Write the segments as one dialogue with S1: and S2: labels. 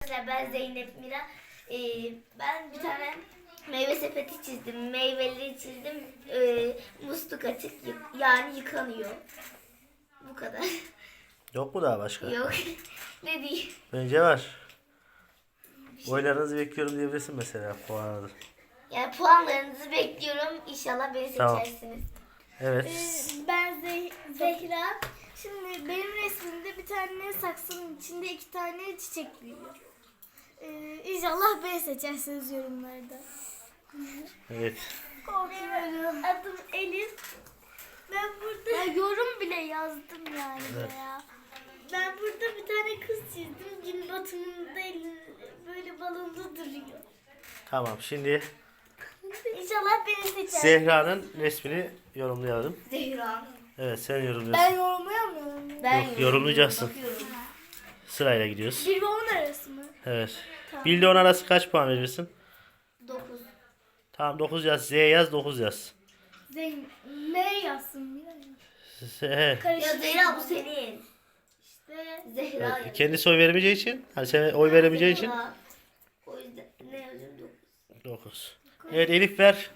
S1: Arkadaşlar ben Zeynep Mira. Ben bir tane meyve sepeti çizdim. Meyveleri çizdim. Musluk açık yani yıkanıyor. Bu kadar.
S2: Yok mu daha başka?
S1: Yok. Ne diyeyim?
S2: Bence var. Oylarınızı bekliyorum diyebilirsin mesela puanı.
S1: Yani puanlarınızı bekliyorum. İnşallah beni
S2: Tamam.
S1: seçersiniz.
S2: Evet.
S3: Ben Zehra. Şimdi benim resmimde bir tane saksının içinde 2 tane çiçek büyüyor. İnşallah beni seçersiniz yorumlarda.
S2: Evet.
S3: Korkuyorum. Adım Elif. Ben burada yorum bile yazdım yani
S2: Evet.
S3: ya. Ben burada bir tane kız çizdim. Gün batımında böyle balonda duruyor.
S2: Tamam, şimdi
S3: İnşallah beni seçer.
S2: Zehra'nın resmini yorumlayalım.
S1: Zehra.
S2: Evet, sen yorumluyorsun.
S3: Ben yorumlayamıyorum.
S1: Ben
S2: Yok, yorumlayacaksın.
S1: bakıyorum.
S2: Sırayla gidiyoruz.
S3: 1 ve 10 arası mı?
S2: Evet. 1 ile 10 arası kaç puan verirsin?
S1: 9.
S2: Tamam, 9 yaz. Z yaz, 9 yaz.
S3: Ne yazsın?
S2: He.
S1: Ya
S3: Karışık.
S1: Zehra bu senin.
S3: İşte
S1: Zehra.
S2: Evet, kendisi oy veremeyeceği için, hani sen oy veremeyeceği için
S1: Zehra. O yüzden ne yazayım 9.
S2: 9. Evet, Elif ver.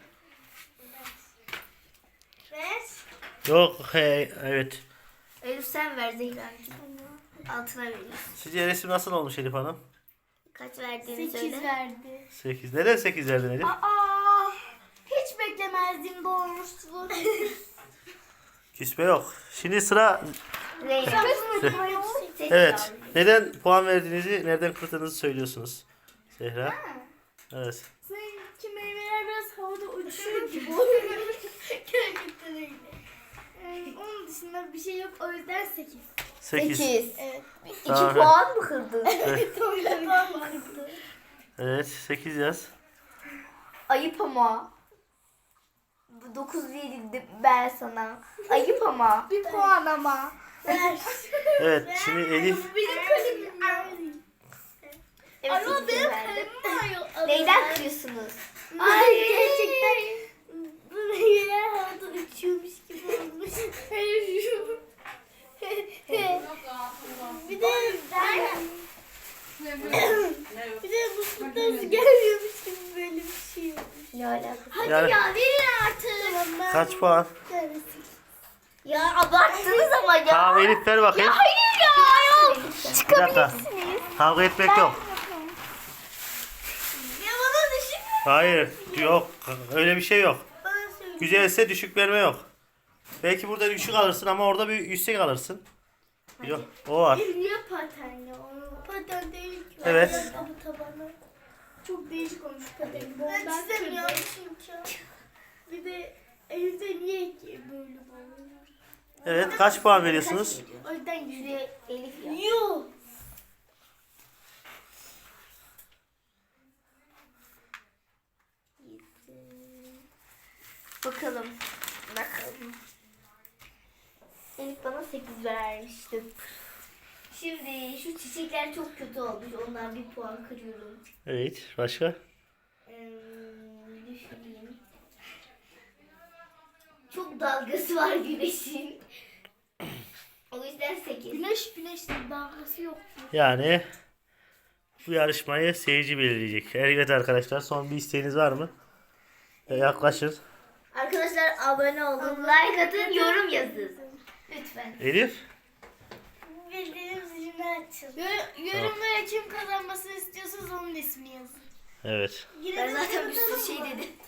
S3: ver.
S2: Yok, evet.
S1: Elif sen ver Zehra'cığım. Altına veriyorsun.
S2: Sizce resim nasıl olmuş Elif Hanım?
S1: Kaç verdiğini
S3: 8
S1: söyle.
S3: verdi.
S2: 8. Neden 8 verdin Elif?
S3: Aa, hiç beklemezdim doğrusunu.
S2: Küsme yok. Şimdi sıra...
S1: Zehra.
S2: Evet. Neden puan verdiğinizi, nereden kırdığınızı söylüyorsunuz. Zehra. Evet.
S3: Sanki meyveler biraz havada uçuyor gibi oluyor. Gerçekten öyle. Onun dışında bir şey yok, o yüzden 8.
S2: 8.
S3: Evet.
S1: 2
S2: Tamam.
S1: puan mı kırdın?
S2: Evet, 8 yaz.
S1: Ayıp ama. 9 verildi ben sana. Ayıp ama.
S3: 1 puan ama. Ver.
S2: Evet, şimdi Elif.
S3: Benim kalemim.
S1: Evet,
S3: Ama
S1: sekiz
S3: benim
S1: verdim.
S3: kalemim var.
S1: Neyden kırıyorsunuz?
S3: Ay gerçekten bu meyveler havada uçuyormuş gibi olmuş. Bir de bir de bu fıtası gelmiyormuş gibi böyle bir şey olmuş.
S1: Ne alakası?
S3: Hadi
S2: Yani-
S3: ya verin artık. Tamam,
S2: Kaç puan?
S1: Ya abarttınız ama ya.
S2: Tamam Elif ver bakayım.
S1: Hayır ya. Ayol.
S2: Bir dakika. Kavga etmek yok.
S3: Ya bana düşün.
S2: Hayır, yok. Öyle bir şey yok.
S3: Bana söyle.
S2: Güzelse düşük verme yok. Belki burada düşük alırsın ama orada bir yüksek alırsın. Yok, o var.
S3: Niye paten ya? Paten değil ki.
S2: Evet.
S3: Ayakkabı tabanı. Çok değişik olmuş paten. Ben istemiyorum çünkü. Bir de evde niye ki böyle oluyor?
S2: Evet, kaç puan veriyorsunuz?
S3: O yüzden
S1: Şuraya Elif ya.
S3: Yuh.
S1: Bakalım. Bakalım. Elif bana 8 vermişti. Şimdi şu çiçekler çok kötü olmuş. Ondan bir puan kırıyorum.
S2: Evet, başka?
S1: Düşüneyim. Çok dalgası var güneşin. O yüzden 8.
S3: Güneş dalgası yok.
S2: Yani bu yarışmayı seyirci belirleyecek. Evet arkadaşlar, son bir isteğiniz var mı? Yaklaşın.
S1: Arkadaşlar abone olun, like atın, yorum yazın. Lütfen.
S2: Elif?
S3: Bildiğiniz zilini açın. Yorumlara kim kazanmasını istiyorsanız onun ismini yazın.
S2: Evet.
S1: Ben zaten bir sürü şey dedim.